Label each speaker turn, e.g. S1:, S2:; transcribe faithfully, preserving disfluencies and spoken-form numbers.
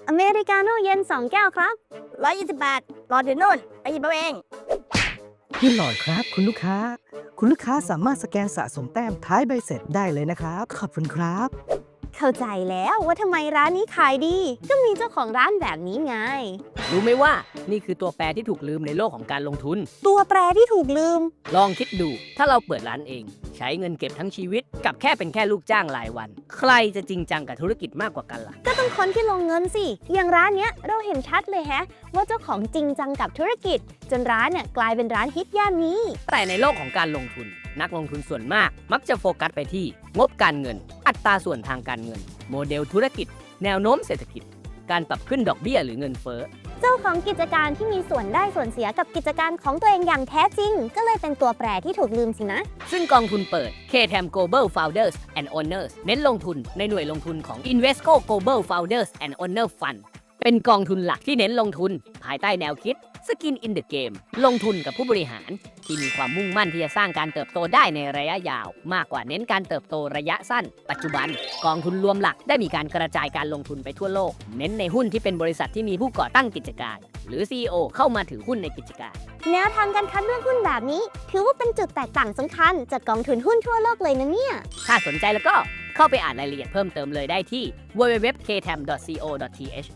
S1: อเมริกาโน่เย็นสองแก้วครับ
S2: ร้อยยี่สิบบาทรอเดี๋ยวนู่นไปหยิบเอาเอง
S3: พี่หลอดครับคุณลูกค้า คุณลูกค้าสามารถสแกนสะสมแต้มท้ายใบเสร็จได้เลยนะครับ ขอบคุณครับ
S1: เข้าใจแล้วว่าทำไมร้านนี้ขายดี ก็มีเจ้าของร้านแบบนี้ไง
S4: รู้ไหมว่านี่คือตัวแปรที่ถูกลืมในโลกของการลงทุน
S1: ตัวแปรที่ถูกลืม
S4: ลองคิดดูถ้าเราเปิดร้านเอง ใช้เงินเก็บทั้งชีวิตกับแค่เป็นแค่ลูกจ้างรายวัน ใครจะจริงจังกับธุรกิจมากกว่ากันล่ะ
S1: ก็ต้องคนที่ลงเงินสิ อย่างร้านเนี้ยเราเห็นชัดเลยแฮะ ว่าเจ้าของจริงจังกับธุรกิจ จนร้านเนี่ยกลายเป็นร้านฮิตย่านนี้
S4: แต่ในโลกของการลงทุน นักลงทุนส่วนมาก มักจะโฟกัสไปที่งบการเงิน อัตราส่วนทางการเงิน โมเดลธุรกิจ แนวโน้มเศรษฐกิจ การปรับขึ้นดอกเบี้ยหรือเงินเฟ้อ
S1: เจ้าของกิจการที่มีส่วนได้ส่วนเสียกับกิจการของตัวเองอย่างแท้จริง ก็เลยเป็นตัวแปรที่ถูกลืมสินะ
S4: ซึ่งกองทุนเปิด เค ที อี เอ็ม Global Founders and Owners เน้นลงทุนในหน่วยลงทุนของ Invesco Global Founders and Owner Fund เป็นกองทุนหลักที่เน้นลงทุน ภายใต้แนวคิด Skin in the Game ลงทุนกับผู้บริหาร ที่มีความมุ่งมั่นที่จะสร้างการเติบโตได้ในระยะยาว มากกว่าเน้นการเติบโตระยะสั้น ปัจจุบัน กองทุนรวมหลักได้มีการกระจายการลงทุนไปทั่วโลก เน้นในหุ้นที่เป็นบริษัทที่มีผู้ก่อตั้งกิจการ หรือ ซี อี โอ เข้ามาถือหุ้นในกิจการ
S1: แนวทางการคัดเลือกหุ้นแบบนี้ ถือว่าเป็นจุดแตกต่างสำคัญจากกองทุนหุ้นทั่วโลกเลยนะเนี่ย
S4: ถ้าสนใจแล้วก็เข้าไปอ่านรายละเอียดเพิ่มเติมเลยได้ที่ ดับเบิลยู ดับเบิลยู ดับเบิลยู ดอท เค ที เอ เอ็ม ดอท ซี โอ ดอท ที เอช